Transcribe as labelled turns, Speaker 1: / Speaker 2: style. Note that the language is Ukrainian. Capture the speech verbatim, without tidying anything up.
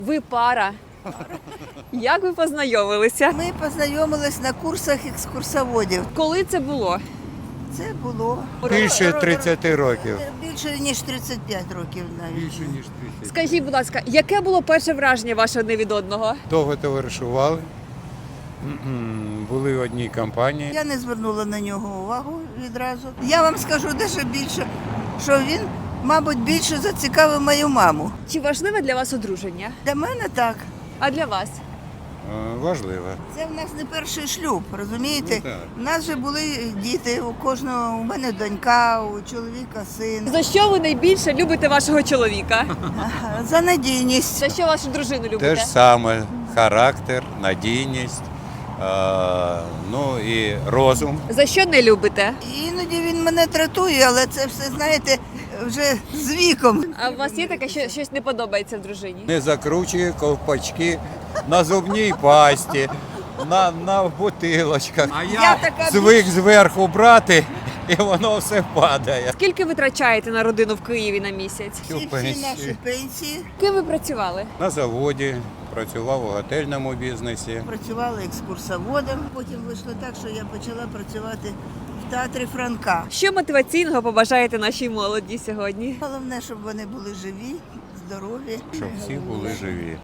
Speaker 1: Ви пара. Як ви познайомилися?
Speaker 2: Ми познайомились на курсах екскурсоводів.
Speaker 1: Коли це було?
Speaker 2: Це було
Speaker 3: Більше тридцяти років.
Speaker 2: більше ніж тридцять п'ять років навіть.
Speaker 3: Більше ніж тридцять.
Speaker 1: Скажіть, будь ласка, яке було перше враження ваше одне від одного?
Speaker 3: Довго товаришували. М-м, Були в одній компанії.
Speaker 2: Я не звернула на нього увагу відразу. Я вам скажу дещо більше, що він, мабуть, більше зацікавив мою маму.
Speaker 1: Чи важливе для вас одруження?
Speaker 2: Для мене так.
Speaker 1: А для вас?
Speaker 3: Е, Важливо.
Speaker 2: Це в нас не перший шлюб, розумієте?
Speaker 3: Ну, так.
Speaker 2: У нас же були діти, у кожного, у мене донька, у чоловіка син.
Speaker 1: За що ви найбільше любите вашого чоловіка?
Speaker 2: За надійність.
Speaker 1: За що вашу дружину любите?
Speaker 3: Те ж саме характер, надійність, е, ну і розум.
Speaker 1: За що не любите?
Speaker 2: Іноді він мене тратує, але це все, знаєте, вже з віком.
Speaker 1: А у вас є таке, що щось не подобається в дружині?
Speaker 3: Не закручує ковпачки на зубній пасті, на, на бутилочках. А
Speaker 2: Я така
Speaker 3: звик зверху брати, і воно все падає.
Speaker 1: Скільки ви витрачаєте на родину в Києві на місяць?
Speaker 2: Всі, всі наші пенсії.
Speaker 1: Ким ви працювали?
Speaker 3: На заводі, працював у готельному бізнесі.
Speaker 2: Працювала екскурсоводом. Потім вийшло так, що я почала працювати в театрі Франка.
Speaker 1: Що мотиваційного побажаєте нашій молоді сьогодні?
Speaker 2: Головне, щоб вони були живі, здорові.
Speaker 3: Щоб всі були живі.